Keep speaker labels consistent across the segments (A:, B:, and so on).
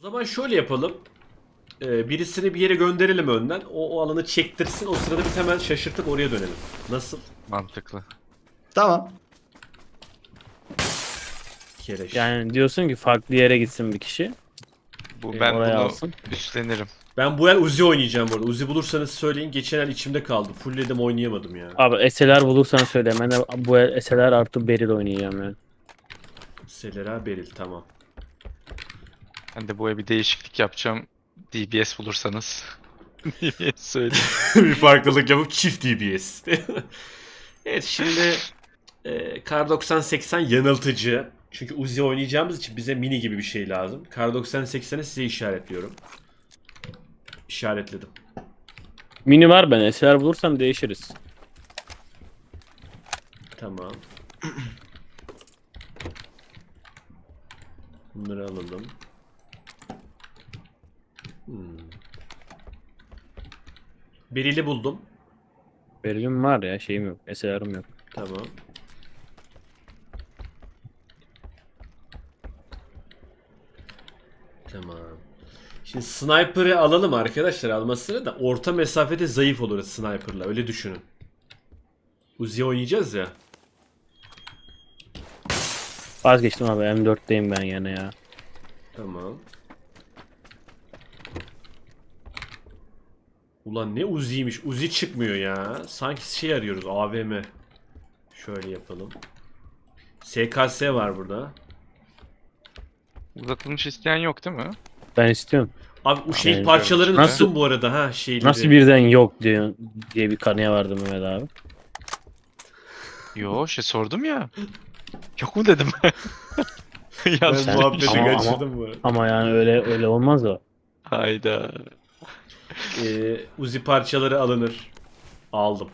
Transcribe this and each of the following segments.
A: zaman şöyle yapalım. Birisini bir yere gönderelim önden. O alanı çektirsin. O sırada biz hemen şaşırtıp oraya dönelim. Nasıl?
B: Mantıklı.
C: Tamam.
A: Kereş.
D: Yani diyorsun ki farklı yere gitsin bir kişi.
B: Ben
D: oraya
B: bunu
D: alsın.
B: üstlenirim.
A: Ben bu el Uzi oynayacağım bu arada. Uzi bulursanız söyleyin. Geçen el içimde kaldı. Fullledim oynayamadım ya.
D: Abi SLR bulursan söyle. Ben de bu el SLR artı Beril oynayacağım yani.
A: Selera Beril tamam.
B: Ben de bu bir değişiklik yapacağım. DBS bulursanız. DBS söyle.
A: Bir farklılık yapıp çift DBS. Evet şimdi Kar 9080 yanıltıcı. Çünkü Uzi oynayacağımız için bize mini gibi bir şey lazım. Kar 9080'i size işaretliyorum. İşaretledim.
D: Mini var, ben SLR bulursam değişiriz.
A: Tamam. Bunları alalım. Beril'i buldum.
D: Beril'im var ya, şeyim yok. SLR'ım yok.
A: Tamam. Tamam. Şimdi sniper'ı alalım arkadaşlar, almasını da orta mesafede zayıf oluruz sniper'la, öyle düşünün. Uzi oynayacağız ya.
D: Vazgeçtim abi, M4'teyim ben yine ya.
A: Tamam. Ulan ne Uzi'ymiş. Uzi çıkmıyor ya. Sanki şey arıyoruz, AVM. Şöyle yapalım. SKS var burada.
B: Uzatılmış isteyen yok değil mi?
D: Ben istiyorum.
A: Abi o şey
D: Yani
A: parçalarını
D: nasıl-
A: tutun bu arada ha şeyleri.
D: Nasıl birden yok diye bir kanıya vardım Mehmet abi.
B: Yo sordum ya. Yok mu dedim. Yanlış.
A: Ben muhabbeti
D: Ama-
A: kaçırdım bu arada.
D: Ama yani öyle olmaz o.
B: Hayda.
A: Uzi parçaları alınır. Aldım.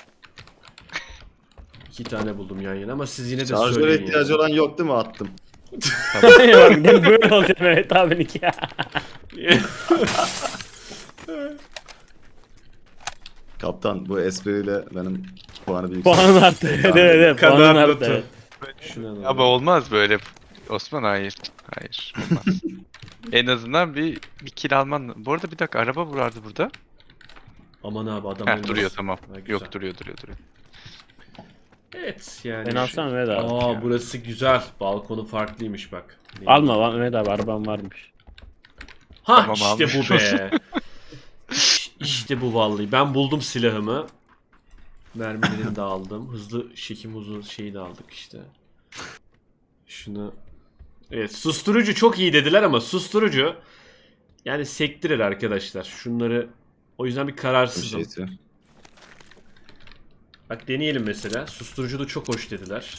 A: 2 tane buldum yan yana ama siz yine de
C: Şarjöre
A: söyleyin
C: ihtiyacı olan yok değil mi? Attım.
D: Bak, böyle olacak Mehmet abininki ya.
C: Kaptan bu espriyle benim puanı büyük.
D: Puanın arttı. Evet, puanın
A: Kadar
D: arttı.
A: notu.
D: Evet.
A: Şunu alalım.
B: Ama olmaz böyle. Osman hayır. Hayır. Olmaz. En azından bir kill alman. Bu arada bir dakika, araba vardı burada.
A: Aman abi adam
B: Heh,
A: ölmez.
B: duruyor tamam.
A: Ha, güzel.
B: Yok duruyor.
A: Evet yani.
D: Ben alsam Mehmet abi.
A: Aa burası güzel. Balkonu farklıymış bak.
D: Alma lan Mehmet abi, arabam varmış.
A: Ha
B: Tamam,
A: işte
B: almış.
A: bu be. İşte bu vallahi. Ben buldum silahımı. Mermilerini de aldım. Hızlı çekim uzun şeyi de aldık işte. Şunu. Evet, susturucu çok iyi dediler ama susturucu yani sektirir arkadaşlar. Şunları o yüzden bir
C: Bir
A: kararsızım.
C: şeysi.
A: Bak deneyelim mesela. Susturucu da çok hoş dediler.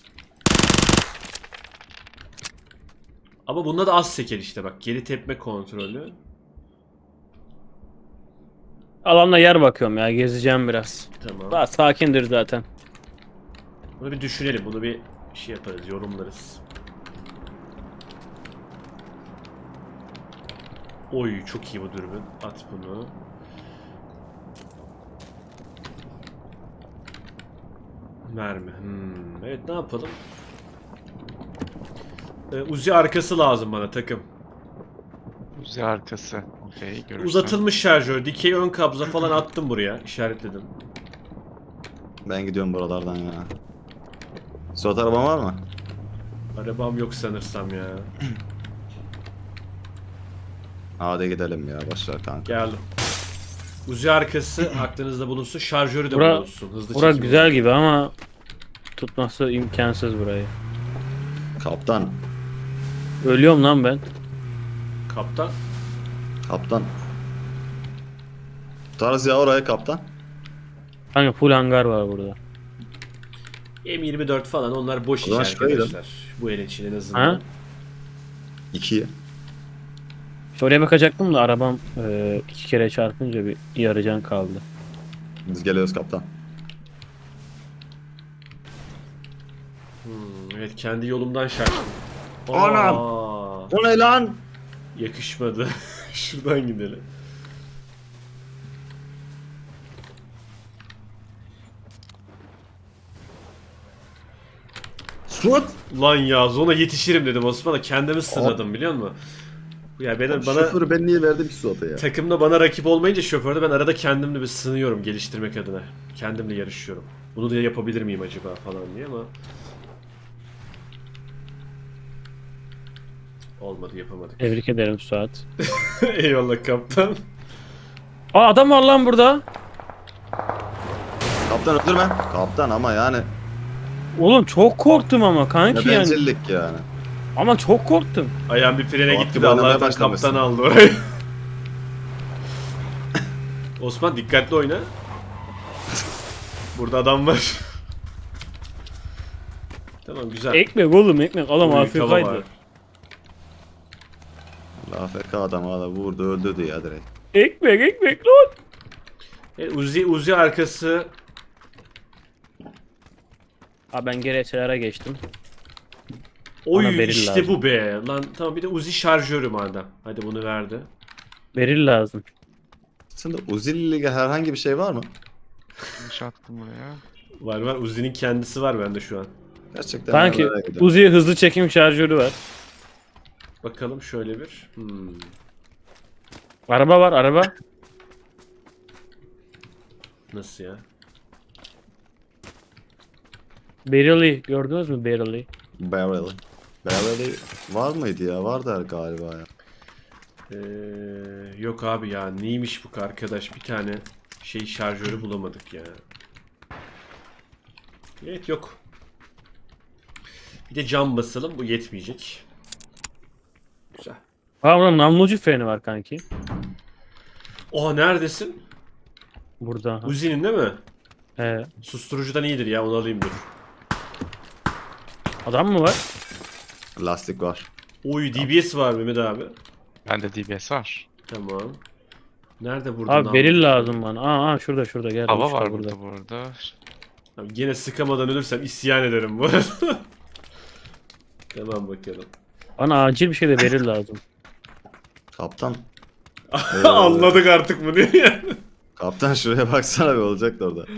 A: Ama bunda da az seker işte bak. Geri tepme kontrolü.
D: Alanda yer bakıyorum ya, gezeceğim biraz.
A: Tamam.
D: Daha sakindir zaten.
A: Bunu bir düşünelim. Bunu bir şey yaparız. Yorumlarız. Oy çok iyi bu dürbün. At bunu. Mermi. Evet ne yapalım? Uzi arkası lazım bana takım.
B: Uzi arkası. Okey görürsün.
A: Uzatılmış şarjör, dikey ön kabza falan attım buraya. İşaretledim.
C: Ben gidiyorum buralardan ya. Suat araban var mı?
A: Arabam yok sanırsam ya.
C: Hadi gidelim ya, boşver kanka.
A: Geldim. Uzi arkası aklınızda bulunsun. Şarjörü de
D: Bura-
A: bulunsun. Hızlı
D: Bura
A: çekim
D: güzel
A: olsun.
D: gibi ama tutması imkansız burayı.
C: Kaptan.
D: Ölüyorum lan ben.
A: Kaptan.
C: Kaptan. Tutarız ya oraya kaptan.
D: Kanka full hangar var burada.
A: M24 falan onlar boş
C: O
A: iş
C: zaman şuraya
A: arkadaşlar. Bu el için en azından.
D: Ha?
C: 2'ye.
D: Oraya bakacaktım da arabam 2 kere çarpınca bir yarı can kaldı.
C: Biz geliyoruz kaptan.
A: Evet kendi yolumdan şaştım.
C: Anam!
A: Aa,
C: O ne lan?
A: yakışmadı. Şuradan gidelim.
C: Suat!
A: Lan ya zona yetişirim dedim Osman'a, kendimi sınırladım biliyor musun? Ya bana
C: Şoförü ben niye verdim ki Suat'a ya?
A: takımda bana rakip olmayınca şoförde ben arada kendimle bir sınıyorum geliştirmek adına. Kendimle yarışıyorum. Bunu da yapabilir miyim acaba falan diye ama olmadı, yapamadık.
D: Tebrik ederim Suat.
A: Eyvallah kaptan.
D: Aa adam var lan burada.
C: Kaptan öldürme. Kaptan ama yani.
D: Oğlum çok korktum ama
C: Ne
D: kanki yani.
C: bencillik yani.
D: Ama çok korktum.
A: Ayağım bir frene
C: Fuat
A: gitti
C: gibi
A: de
C: oynamaya
A: Allah'tan
C: başlamışsın.
A: kaptan aldı orayı. Osman dikkatli oyna. Burada adam var. Tamam güzel.
D: Ekmek oğlum ekmek. Adam
A: Oy, tava var.
D: AFK'ydı.
C: AFK adam hala vurdu öldürdü ya direkt.
D: Ekmek lan.
A: Uzi arkası.
D: Aa ben geri SLR'a geçtim.
A: Oy
D: Bana beril
A: işte
D: lazım.
A: bu be. Lan tamam bir de Uzi şarjörü madem. Hadi bunu verdi.
D: Beril lazım.
C: Sende Uzi ile ilgili herhangi bir şey var mı?
B: Yanlış attım buraya.
A: Var Uzi'nin kendisi var bende şu an.
C: Gerçekten
D: Kanki
C: ben merak ediyorum.
D: Uzi hızlı çekim şarjörü var.
A: Bakalım şöyle bir.
D: Araba var araba.
A: Nasıl ya?
D: Beril'i gördünüz mü Beril'i?
C: Barrel. Barrel var mıydı ya? Vardı galiba ya.
A: Yok abi ya neymiş bu arkadaş, bir tane şey şarjörü bulamadık ya. Evet yok. Bir de cam basalım, bu yetmeyecek. Güzel.
D: Aa burada namlucu freni var kanki.
A: Oha neredesin?
D: Burada. Aha.
A: Uzi'nin değil mi?
D: He.
A: Susturucudan iyidir ya, onu alayım dur.
D: Adam mı var?
C: Lastik var.
A: Oy DBS var Mehmet abi.
B: Bende DBS var.
A: Tamam. Nerede burada?
D: Abi beril
A: namlucu?
D: lazım bana. Şurada gel.
B: Hava
D: Üç
B: var burada.
A: Abi gene sıkamadan ölürsem isyan ederim bu arada. Tamam bakalım.
D: Bana acil bir şey de beril lazım.
C: Kaptan.
A: Anladık artık bunu ya.
C: Kaptan şuraya baksana bir olacak da orada.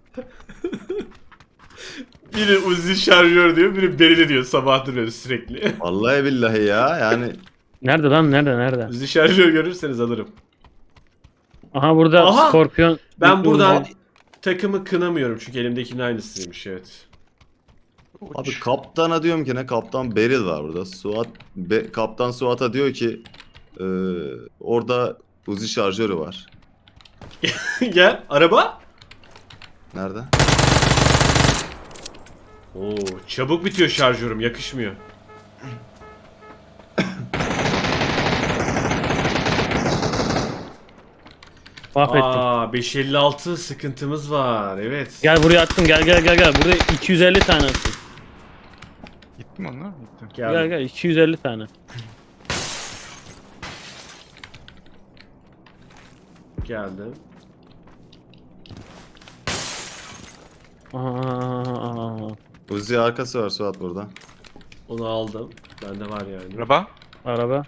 A: Biri Uzi şarjör diyor, biri berili diyor sabahtır böyle sürekli.
C: Vallahi billahi ya yani.
D: Nerede lan nerede?
A: Uzi şarjör görürseniz alırım.
D: Aha burada
A: Aha!
D: Scorpion.
A: Ben
D: Büyük
A: buradan
D: Uzi.
A: takımı kınamıyorum çünkü elimdekinin aynısıymış, evet.
C: Abi kaptana diyorum ki ne, kaptan Beril var burada. Kaptan Suat'a diyor ki orada Uzi şarjörü var.
A: Gel araba.
C: Nerede?
A: Oo çabuk bitiyor şarjörüm, yakışmıyor.
D: Mahvettim.
A: Aa 556 sıkıntımız var, evet.
D: Gel buraya attım gel. Burada 250 tane attım.
B: Gitti mi onlar? Gitti.
D: Gel 250 tane.
A: Geldim.
D: Aha.
C: Uzi arkası var Suat burada.
A: Onu aldım. Bende var yani.
B: Araba.
D: Araba.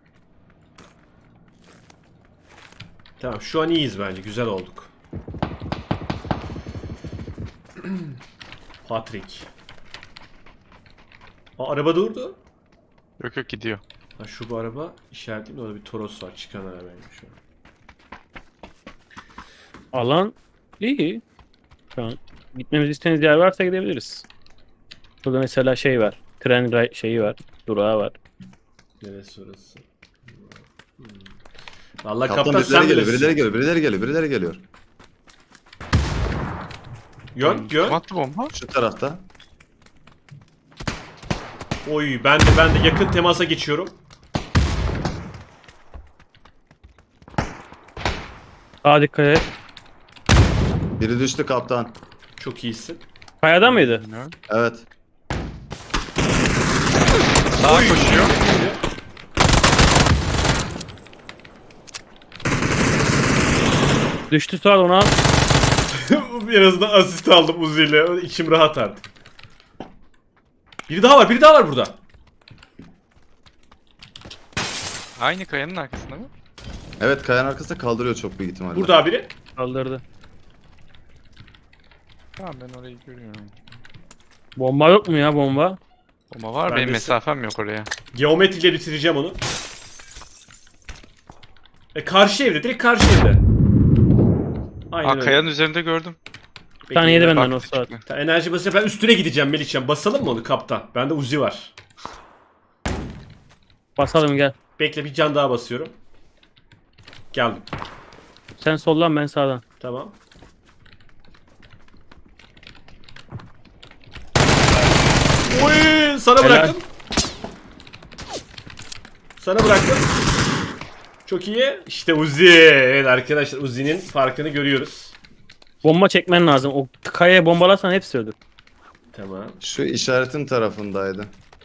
A: Tamam şu an iyiyiz bence, güzel olduk. Patrick. Aa, araba durdu.
B: Yok gidiyor.
A: Ha, şu bu araba işaretliyim de orada bir Toros var, çıkan arabaymış şu an.
D: Alan iyi. Şu an gitmemizi istediğiniz yer varsa gidebiliriz. Burada mesela şey var. Şeyi var. Durağı var.
A: Neresi orası? Vallahi
C: Kaptan
A: kaptan sen
C: birileri
A: bilirsin.
C: geliyor, birileri geliyor.
A: Yön.
B: Kim attı bomba?
C: Şu tarafta.
A: Oy ben de yakın temasa geçiyorum.
D: Aa dikkat et.
C: Biri düştü kaptan.
A: Çok iyisin.
D: Kayada mıydı?
B: Bilmiyorum.
C: Evet.
B: Sağa koşuyor.
D: Düştü Suat onu al.
A: En azından asist aldım Uzi ile. İçim rahat artık. Biri daha var burada.
B: Aynı kayanın arkasında mı?
C: Evet, kayanın arkasında kaldırıyor çok büyük ihtimalle.
A: Burada biri.
D: Kaldırdı.
B: Tamam ben orayı görüyorum.
D: Bomba yok mu ya bomba?
B: Bomba var,
A: Ben
B: benim
A: de-
B: mesafem yok oraya.
A: Geometriyle bitireceğim onu. Karşı evde. Direkt karşı evde. Aynen
B: Aa,
A: öyle.
B: kayanın üzerinde gördüm.
D: Bir tane yedi benden
B: Bak,
D: o Suat.
B: çıktı.
A: Enerji basıyor. Ben üstüne gideceğim Melihcan. Basalım mı onu kaptan? Bende Uzi var.
D: Basalım gel.
A: Bekle bir can daha basıyorum. Geldim.
D: Sen soldan ben sağdan.
A: Tamam. Oy, sana
D: Helal.
A: bıraktım. Sana bıraktım. Çok iyi. İşte Uzi. Evet arkadaşlar Uzi'nin farkını görüyoruz.
D: Bomba çekmen lazım. O kayaya bombalarsan hepsi ölür.
A: Tamam.
C: Şu işaretin tarafındaydı.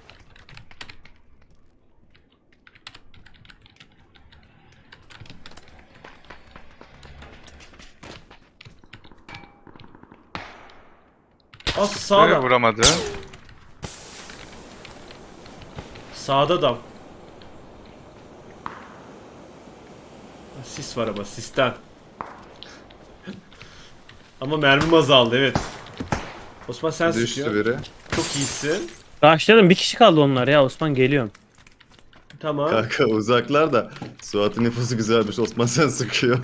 A: Az sağda.
B: Vuramadı.
A: Sağda adam. Sis var ama sisten. Ama mermim azaldı evet. Osman sen
C: Düştü
A: sıkıyorsun.
C: biri.
A: Çok iyisin.
D: Başladım. Bir kişi kaldı onlar ya. Osman geliyorum.
A: Tamam.
C: Kanka uzaklar da Suat'ın nüfusu güzelmiş. Osman sen sıkıyor.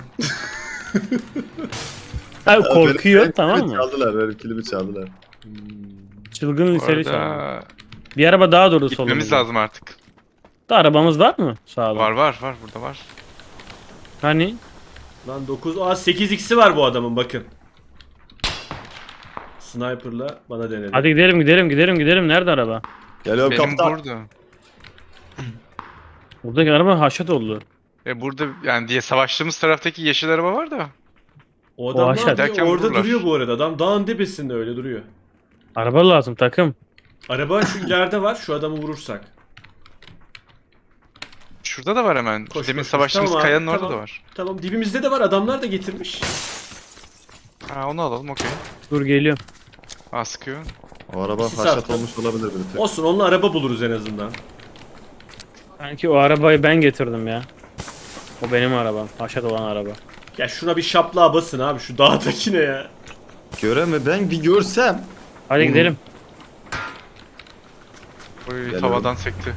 D: Abi korkuyor
C: Benim
D: tamam
C: kilimi
D: mı?
C: Çaldılar, benim kilimi çaldılar.
D: Çılgın liseli
B: Orada
D: çaldı. Bir araba daha durdu solumuzda.
B: gitmemiz lazım artık.
D: Da arabamız var mı sağda?
B: Var burada var.
D: Hani?
A: Lan 9 8x'i var bu adamın bakın. Sniper'la bana denedi.
D: Hadi gidelim. Nerede araba?
C: Geliyorum
B: Benim
C: kaptan.
B: burada.
D: Buradaki araba haşat oldu.
B: Burada yani diye savaştığımız taraftaki yeşil araba var da.
A: O adam
D: aşağı-
A: ne yapıyor?
B: Derken
A: Orada
B: vururlar.
A: duruyor bu arada. Adam dağın tepesinde öyle duruyor.
D: Araba lazım takım.
A: Araba şu ileride var. Şu adamı vurursak.
B: Şurada da var hemen.
A: Koş,
B: Demin
A: koş, koş.
B: savaştığımız
A: Tamam abi,
B: kayanın orada
A: tamam.
B: da var.
A: Tamam dibimizde de var. Adamlar da getirmiş.
B: Ha, onu alalım okey.
D: Dur geliyorum.
B: Aa, sıkıyor.
C: O araba
A: Sis
C: haşat
A: attım.
C: olmuş olabilir bir tek.
A: Olsun onunla araba buluruz en azından.
D: Sanki o arabayı ben getirdim ya. O benim arabam. Haşat olan araba.
A: Ya şuna bir şaplığa basın abi. Şu dağdakine ya.
C: Göreme ben bir görsem.
D: Hadi gidelim.
B: Oy,
C: Geliyorum.
B: havadan sekti.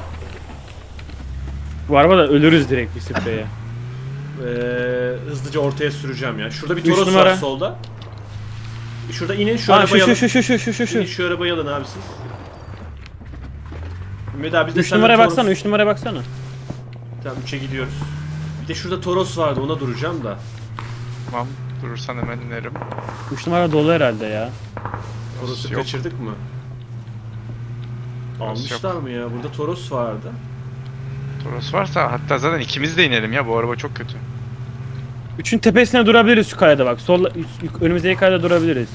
D: Bu arabada ölürüz direkt bir spreye.
A: Hızlıca ortaya süreceğim ya. Şurada bir
D: Üç
A: Toros var
D: numara.
A: solda. Şurada inin şu
D: Ha
A: arabayı alın.
D: şu.
A: İnin şu arabayı alın abi siz. Ümit abi biz de
D: 3
A: seninle
D: numaraya
A: Toros-
D: baksana 3 numaraya baksana.
A: Tamam 3'e gidiyoruz. Bir de şurada Toros vardı ona duracağım da.
B: Tamam. Durursan hemen inerim.
D: 3 numara dolu herhalde ya.
A: Toros'u
B: Yok.
A: kaçırdık mı?
B: Toros
A: Almışlar mı ya? Burada Toros vardı.
B: Toros varsa hatta zaten ikimiz de inelim ya. Bu araba çok kötü.
D: 3'ün tepesine durabiliriz şu kayada bak. Sol önümüzdeki kayada durabiliriz.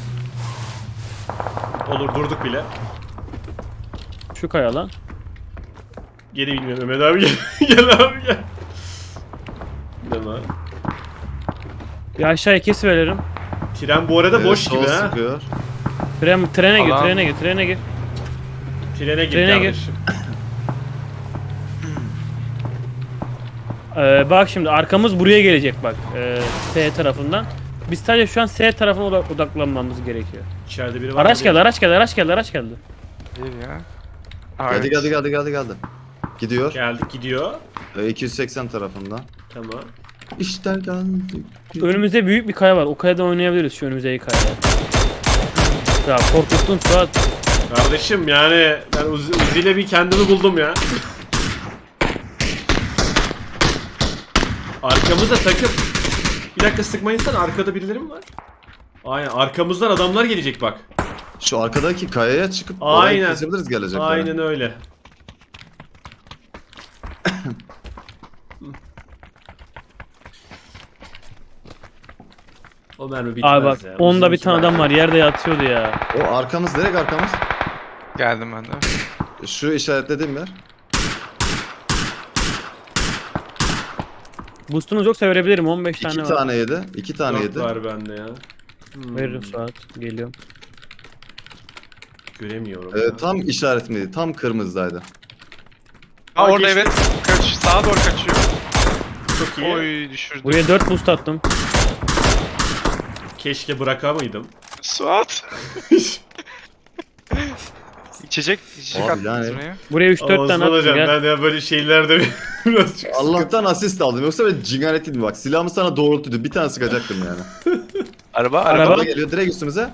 A: Olur durduk bile.
D: Şu kaya lan.
A: Geri bilmiyorum Mehmet abi gel. Gel abi gel. Değil mi?
D: Bir aşağıya kes veririm.
A: Tren bu arada boş
C: sol
A: gibi ha.
C: sıkıyor.
D: Trene gir,
B: Alan-
D: trene gir.
A: Trene gir
D: Trene gir.
A: kardeşim.
D: Bak şimdi arkamız buraya gelecek bak. S tarafından. Biz sadece şu an S tarafına odaklanmamız gerekiyor.
A: İçeride biri var.
D: Araç
A: mı?
D: geldi, araç geldi.
B: İyi ya. Aa,
C: Geldi
B: evet.
C: geldi. Gidiyor.
A: Geldik gidiyor.
C: 280 tarafından.
A: Tamam.
C: İşte geldik.
D: Önümüzde büyük bir kaya var. O kayadan oynayabiliriz şu önümüzdeki kayada. Ya korkuttun Suat.
A: Kardeşim yani ben Uzi ile bir kendimi buldum ya. Arkamızda takım. Bir dakika sıkmayın sen arkada birileri mi var? Aynen arkamızdan adamlar gelecek bak.
C: Şu arkadaki kayaya çıkıp orayı
A: Aynen.
C: kesebiliriz gelecekler.
A: Aynen öyle. O mermi bitmez
D: Abi bak
A: ya.
D: onda bir
A: Uzun
D: tane
A: iki
D: adam var yerde yatıyordu ya.
C: O arkamız direkt arkamız.
B: Geldim ben de.
C: Şu işaretlediğim yer.
D: Boostunuz yoksa verebilirim 15
C: İki
D: tane var.
C: tane yedi. 2 tane
A: Dört
C: yedi.
A: var bende ya.
D: Veririm Suat. Geliyorum.
A: Göremiyorum ya.
C: Tam işaret miydi? Tam kırmızıdaydı.
B: Aa,
A: Aa,
B: orada
A: geçti.
B: evet. Sağa doğru kaçıyor.
A: Çok iyi.
B: Oy, düşürdü.
D: Buraya 4 boost attım.
A: Keşke bırakamaydım.
B: Suat. İçecek
C: Abi
B: attınız
C: yani-
B: buraya.
D: Buraya 3-4 tane
A: Osman
D: attım
A: hocam
D: gel.
A: ben ya böyle şeylerde birazcık
C: Allah'tan asist aldım. Yoksa ben cingaretiydim bak. Silahımı sana doğrultuydu. Bir tane sıkacaktım yani.
B: Araba.
C: Araba geliyor direkt üstümüze.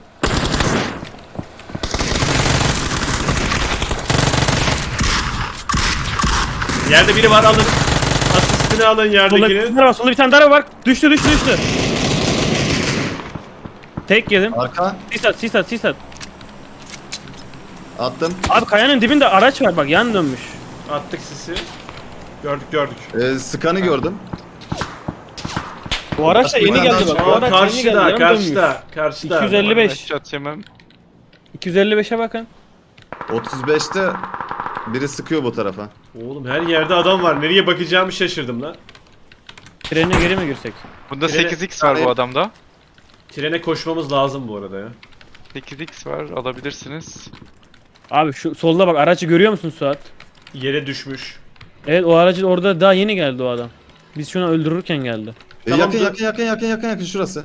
A: Yerde biri var, alın. Asistini alın
D: Solda bir
A: yerdekini.
D: tane var. Solda bir tane daha var. Düştü. Tek yedim.
C: Arka
D: Sis at.
C: attım.
D: Abi kayanın dibinde araç var bak yan dönmüş.
A: Attık sisi. Gördük.
C: Sıkanı gördüm.
D: Bu araç da yeni geldi bak. Bu
A: Aa,
D: araç yeni geldi yan
A: karşıda.
D: dönmüş. 255.
B: Headshot yemem.
D: 255'e bakın.
C: 35'te biri sıkıyor bu tarafa.
A: Oğlum her yerde adam var. Nereye bakacağımı şaşırdım lan.
D: Trene geri mi girsek?
B: Bunda
A: Trene-
B: 8x var bu adamda.
A: Trene koşmamız lazım bu arada ya.
B: 8x var alabilirsiniz.
D: Abi şu solda bak aracı görüyor musun Suat?
A: Yere düşmüş.
D: Evet o aracı orada daha yeni geldi o adam. Biz şunu öldürürken geldi.
A: Tamam,
C: Yakın şurası.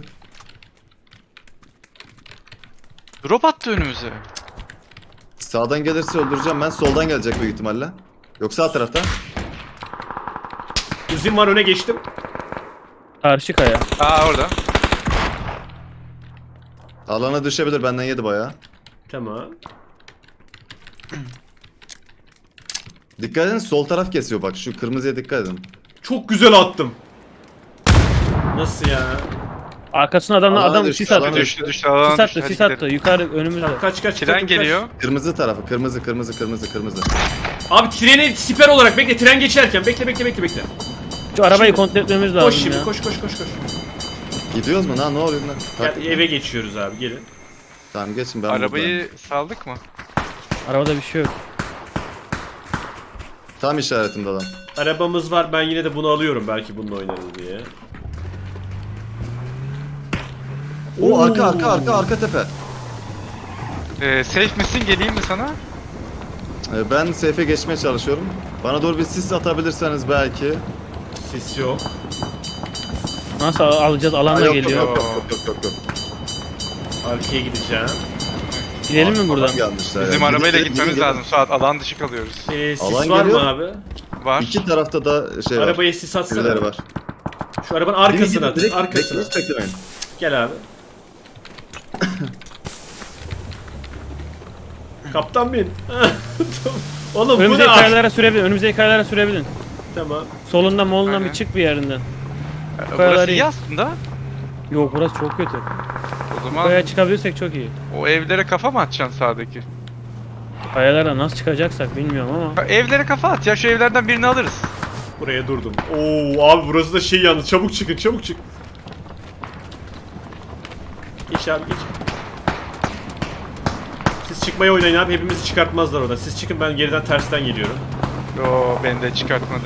B: Drop attı önümüze.
C: Sağdan gelirse öldüreceğim ben. Soldan gelecek büyük ihtimalle. Yok sağ tarafta.
A: Uzun var, öne geçtim.
D: Karşı kaya.
B: Aa orada.
C: Alana düşebilir, benden yedi bayağı.
A: Tamam.
C: Dikkat edin, sol taraf kesiyor bak, şu kırmızıya dikkat edin.
A: Çok güzel attım. Nasıl ya?
D: Arkasına
C: Alana
D: adam
C: düştü,
D: sis attı.
C: alana
B: Düştü düştü alan
D: Sis attı, sis attı. Yukarı önümüzde.
A: Kaç
B: Tren
A: takım
B: geliyor.
C: Kırmızı tarafı, kırmızı.
A: Abi treni siper olarak bekle, tren geçerken bekle.
D: Şu arabayı
A: Şimdi-
D: kontrol etmemiz
A: Koş
D: lazım
A: şimdi,
D: ya.
A: koş.
C: Gidiyoruz mu lan, ne oluyor lan?
A: Gel, eve geçiyoruz abi, gelin.
C: Tamam geçin, ben
B: Arabayı saldık mı?
D: Arabada bir şey yok.
C: buradayım. Tam işaretimde adam.
A: Arabamız var, ben yine de bunu alıyorum belki bununla oynarız diye.
C: O arka tepe.
B: Safe misin? Geleyim mi sana?
C: Ben safe'e geçmeye çalışıyorum. Bana doğru bir sis atabilirseniz belki.
A: Sis yok.
D: Nasıl alacağız? Alanda
C: Yok,
D: geliyor.
C: Yok.
A: Arkaya gideceğim.
D: Gidelim mi buradan?
C: Adam gelmişler
B: Bizim
C: ya.
B: arabayla
C: Gidin,
B: gitmemiz
C: gidin.
B: lazım. Suat alan dışı kalıyoruz.
A: Sis
C: Alan
A: var
C: geliyor.
A: mı abi?
B: Var.
C: İki tarafta da şey var.
A: Arabaya sis atsana.
C: Birileri var.
A: Şu arabanın arkasına at.
C: Direkt
A: Arkasına.
C: hiç beklemeyin.
A: Gel abi. Kaptan bin. Oğlum bu
D: Önümüzdeki
A: ne?
D: kayalara sürebilin.
A: Tamam.
D: Solundan molundan
B: Aynen.
D: bir çık bir yerinden.
B: Burası
D: kayaları
B: iyi
D: iyi.
B: aslında.
D: Yok burası çok kötü.
B: O zaman
D: Kayaya çıkabilirsek çok iyi.
B: o evlere kafa mı atacaksın sağdaki?
D: Kayalara nasıl çıkacaksak bilmiyorum ama.
B: Evlere kafa at ya, şu evlerden birini alırız.
A: Buraya durdum. Oo abi burası da şey yalnız. Çabuk çık. Geç abi geç. Siz çıkmaya oynayın abi. Hepimizi çıkartmazlar orada. Siz çıkın, ben geriden tersten geliyorum.
B: Yo, beni de çıkartmadı.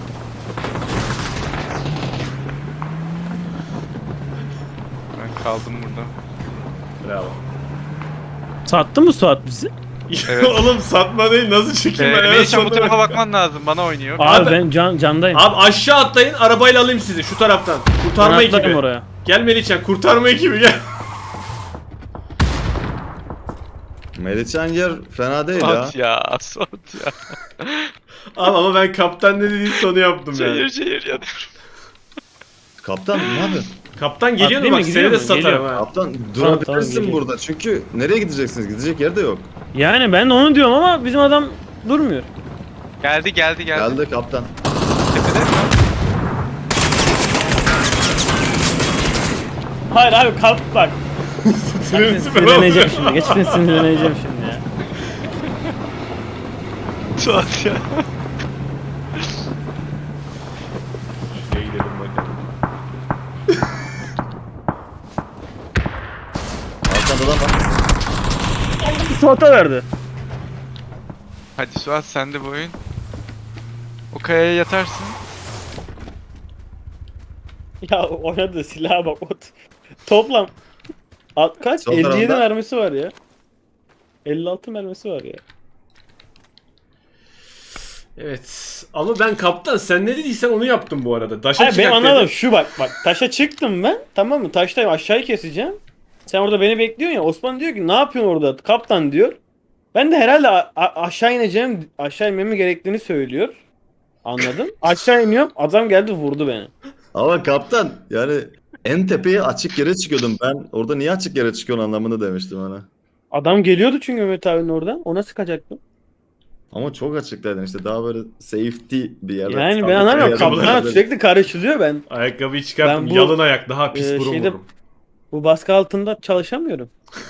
B: Ben kaldım burada.
A: Bravo.
D: Sattı mı Suat bizi?
B: Evet.
A: Oğlum satma değil, nasıl çıkayım ben? Evet,
B: Melihcan bu
A: satma.
B: tarafa bakman lazım, bana oynuyor.
D: Abi,
A: Abi-
D: ben candayım.
A: Abi aşağı atlayın, arabayla alayım sizi şu taraftan. Kurtarma
D: Ben atlarım
A: ekibi.
D: oraya.
A: Gel Melihcan, kurtarma ekibi gel.
C: Melihcan yer fena değil ya.
B: Suat ya, Suat ya.
A: Abi ama ben kaptan ne dediği onu yaptım yani.
B: Şehir ya.
C: Kaptan ne yapıyorsun?
A: Kaptan geliyor mu
D: Atlayayım
A: bak,
D: mı,
A: seni
D: gidiyor
A: de
D: mu?
A: satarım
D: Geliyor.
A: ha.
C: Kaptan
D: Tamam,
C: durabilirsin
D: geliyor.
C: burada çünkü nereye gideceksiniz? Gidecek yer de yok.
D: Yani ben de onu diyorum ama bizim adam durmuyor.
B: Geldi.
C: Geldi kaptan.
B: Tepede mi?
D: Hayır abi kalk bak.
A: Sinirleneceğim
D: Sinirleneceğim şimdi. Geçten sinirleneceğim şimdi ya.
B: Suat ya.
A: Şuraya gidelim bakalım.
C: Arkanda adam var.
D: Suat'a verdi.
B: Hadi Suat, sen de bu oyun. O kayaya yatarsın.
D: Ya oynadı silaha bak. Toplam kaç?
C: Sol
D: 57
C: tarafta.
D: mermisi var ya. 56 mermisi var ya.
A: Evet. Ama ben kaptan, sen ne dediysen onu yaptım bu arada. Daşa
D: Hayır ben
A: çıkak
D: anladım
A: dedim.
D: şu bak taşa çıktım ben, tamam mı, taştayım aşağıyı keseceğim. Sen orada beni bekliyorsun ya, Osman diyor ki ne yapıyorsun orada kaptan diyor. Ben de herhalde aşağı ineceğim, aşağı inmemi gerektiğini söylüyor. Anladım. Aşağı iniyorum, adam geldi vurdu beni.
C: Ama kaptan yani en tepeye açık yere çıkıyordum. Ben orada niye açık yere çıkıyorsun anlamında demiştim ona.
D: Adam geliyordu çünkü Mehmet abinin oradan. Ona sıkacaktım.
C: Ama çok açıktaydın işte daha böyle safety bir yerde.
D: Yani
C: sabit
D: ben anlamıyorum.
C: bir yerde
D: Kaptan
C: böyle-
D: sürekli karışılıyor ben.
A: Ayakkabıyı çıkarttım.
D: Ben bu,
A: Yalın ayak. Daha pis burun
D: şeyde-
A: vururum.
D: Bu baskı altında çalışamıyorum.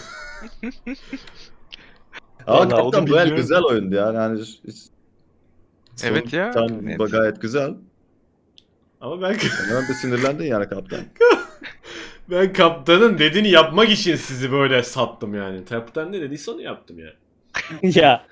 C: Ama
B: Vallahi
C: kaptan
B: onu
C: bu el
B: bilmiyorum.
C: güzel oyundu yani. Hani
B: Evet ya,
C: Tam
B: net.
C: gayet güzel.
A: Ama ben
C: Hemen bir sinirlendin yani kaptan.
A: ben kaptanın dediğini yapmak için sizi böyle sattım yani. Kaptan ne dediyse onu yaptım yani.
D: Ya.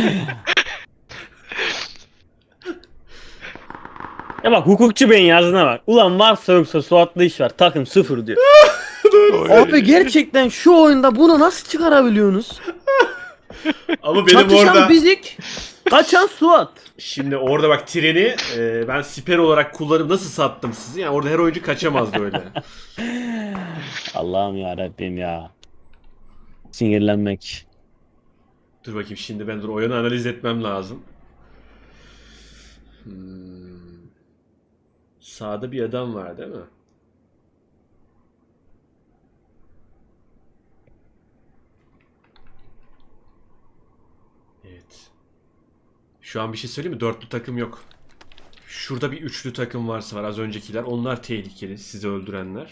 D: Ya bak hukukçu beyin yazdığına bak. Ulan varsa yoksa Suat'la iş var. Takım 0 diyor. Abi gerçekten şu oyunda bunu nasıl çıkarabiliyorsunuz?
A: Ama benim
D: Çatışan
A: orada
D: bizik, kaçan Suat.
A: şimdi orada bak treni ben siper olarak kullanıp nasıl sattım sizi? Yani orada her oyuncu kaçamazdı öyle.
D: Allah'ım ya Rabbim ya. Sinirlenmek.
A: Dur bakayım şimdi ben oyunu analiz etmem lazım. Sağda bir adam var değil mi? Evet. Şu an bir şey söyleyeyim mi? Dörtlü takım yok. Şurada bir üçlü takım varsa var az öncekiler. Onlar tehlikeli. Sizi öldürenler.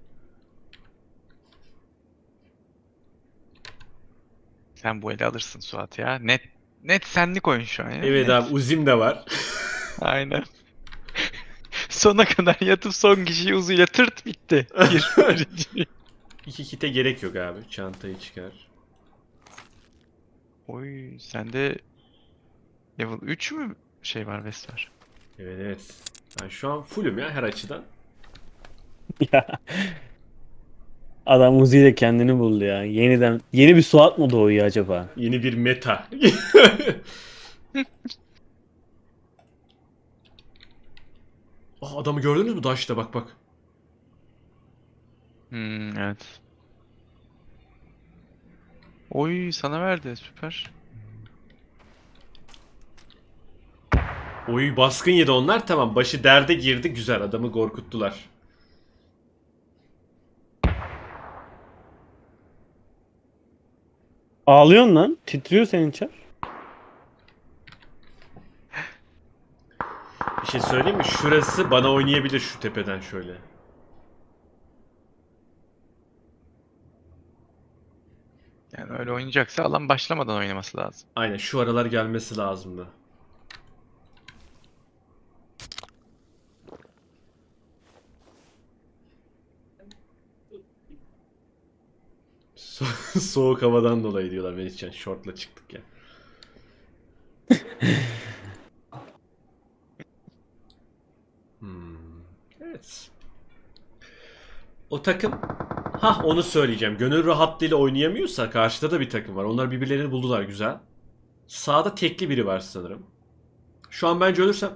B: Sen bu eli alırsın Suat ya. Net senlik oyun şu an ya.
A: Evet
B: Net.
A: abi Uzim de var.
B: Aynen. Sona kadar yatıp son kişiyi uzuyla tırt bitti. Gir.
A: İki kite gerek yok abi. Çantayı çıkar.
B: Oy sende level 3 mü şey var Vest var?
A: Evet evet. Ben şu an fullüm ya her açıdan.
D: Ya. Adam Uzi ile kendini buldu ya. Yeniden yeni bir Suat mı doğuyor acaba?
A: Yeni bir meta. Adamı gördünüz mü Dash'ta bak bak.
B: Evet. Oy sana verdi süper.
A: Oy baskın yedi onlar tamam. Başı derde girdi güzel adamı korkuttular.
D: Ağlıyorsun lan. Titriyor senin çar.
A: Bir şey söyleyeyim mi? Şurası bana oynayabilir şu tepeden şöyle.
B: Yani öyle oynayacaksa alan başlamadan oynaması lazım.
A: Aynen şu aralar gelmesi lazımdı. Soğuk havadan dolayı diyorlar Melihcan. Şortla çıktık ya. Evet. O takım onu söyleyeceğim. Gönül rahatlığıyla oynayamıyorsa karşıda da bir takım var. Onlar birbirlerini buldular güzel. Sağda tekli biri var sanırım. Şu an bence ölürsem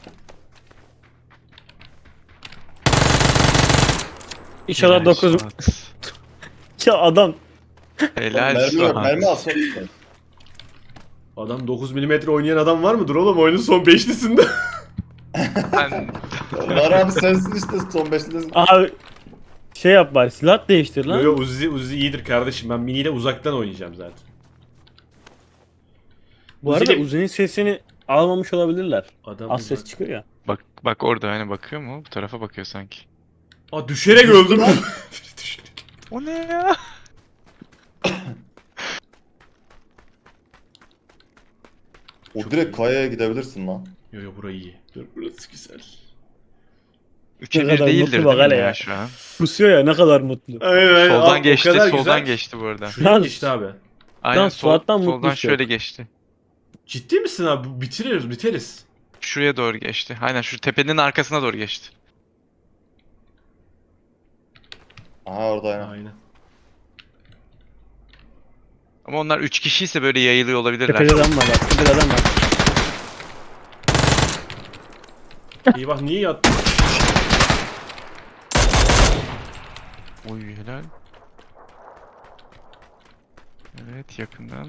D: İnşallah
B: Helal
D: 9.
B: Suat.
D: Ya adam.
B: Helal
C: Mermi yok,
B: Suat.
C: mermi alsın.
A: adam 9 mm oynayan adam var mıdır oğlum oyunun son beşlisinde?
B: Ben
C: Var abi sensin işte son 5'li.
D: Abi şey yap bari silah değiştir lan.
A: Yo yo Uzi iyidir kardeşim. Ben miniyle uzaktan oynayacağım zaten.
D: Bu arada
A: Uzi'yle-
D: Uzi'nin sesini almamış olabilirler.
A: Adam
D: Az ses
A: uzak-
D: çıkıyor ya.
B: bak orada hani bakıyor mu? Bu tarafa bakıyor sanki.
A: Düşerek öldüm.
C: lan.
A: Düşerek.
B: O ne ya?
C: O direkt kayaya gidebilirsin lan.
A: Yo yo burayı iyi. Dur burası güzel.
B: 3'e
D: Ne
B: 1
D: kadar
B: değildir
D: mutlu bak
B: değil mi
D: hele
B: ya
D: ya.
B: şu an?
D: Kusuyor ya ne kadar mutlu.
A: Aynen,
B: Soldan geçti, soldan
A: güzel.
B: geçti bu arada.
A: Şuraya
D: Lan-
A: geçti abi.
B: Aynen
D: Suat'tan
B: soldan
D: mutlusu
B: şöyle
D: yok.
B: geçti.
A: Ciddi misin abi? Biteriz.
B: Şuraya doğru geçti. Aynen şu tepenin arkasına doğru geçti.
C: Aha orada aynen.
A: Aynen.
B: Ama onlar 3 kişiyse böyle yayılıyor olabilirler.
D: Tepede adam var bak. Tepede adam var.
A: İyi bak niye yattın?
B: Oy helal. Evet yakından.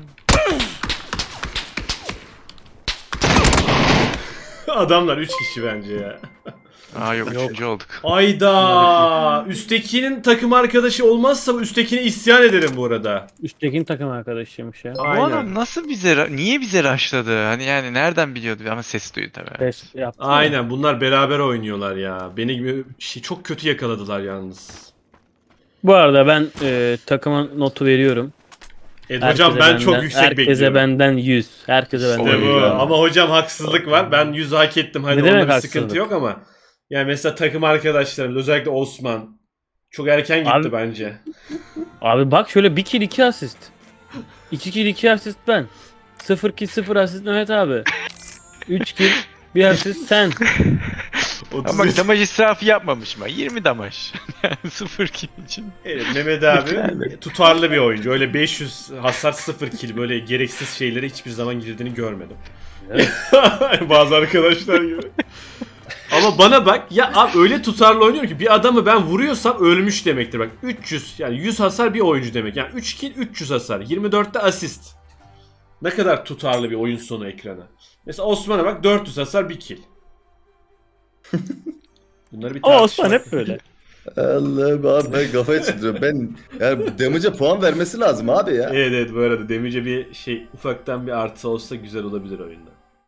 A: Adamlar 3 kişi bence ya.
B: Aa yok, üçüncü olduk.
A: Ayda. Üsttekinin takım arkadaşı olmazsa bu üsttekine isyan ederim bu arada.
D: Üsttekinin takım arkadaşıymış ya.
B: Bu
A: Aynen.
B: adam nasıl niye bize rushladı? Hani yani nereden biliyordu ama ses duydu tabii.
D: Pes yaptı.
A: Aynen bunlar beraber oynuyorlar ya. Beni gibi çok kötü yakaladılar yalnız.
D: Bu arada ben takıma notu veriyorum.
A: Hocam ben çok yüksek
D: herkese
A: bekliyorum.
D: benden 100. Herkese benden
A: İşte
D: 100.
A: bu.
B: Oy.
A: Ama hocam haksızlık var. Ben 100 hak ettim. Hadi
D: Ne demek
A: onda bir sıkıntı
D: haksızlık?
A: yok ama. Yani mesela takım arkadaşlarımız özellikle Osman çok erken gitti
D: Abi-
A: bence.
D: Abi bak şöyle 1 kill 2 asist. 2 kill 2 asist ben. 0 kill 0 asist Mehmet abi. 3 kill 1 asist sen.
B: Ama damaj israfı yapmamış mı? 20 damaj. Yani 0 kill için.
A: Evet, Mehmet abi tutarlı bir oyuncu. Öyle 500 hasar 0 kill böyle gereksiz şeylere hiçbir zaman girdiğini görmedim. Bazı arkadaşlar gibi. Ama bana bak ya abi öyle tutarlı oynuyor ki bir adamı ben vuruyorsam ölmüş demektir bak. 300 yani 100 hasar bir oyuncu demek. Yani 3 kill 300 hasar. 24'te asist. Ne kadar tutarlı bir oyun sonu ekrana. Mesela Osman'a bak 400 hasar 1 kill. Bunları bir
D: Ama
A: tartışmak.
D: Osman hep böyle.
C: Allah'ım abi ben kafayı çıldırıyorum. Ben yani damage'e puan vermesi lazım abi ya.
A: Evet evet bu arada demice bir şey ufaktan bir artı olsa güzel olabilir oyunda.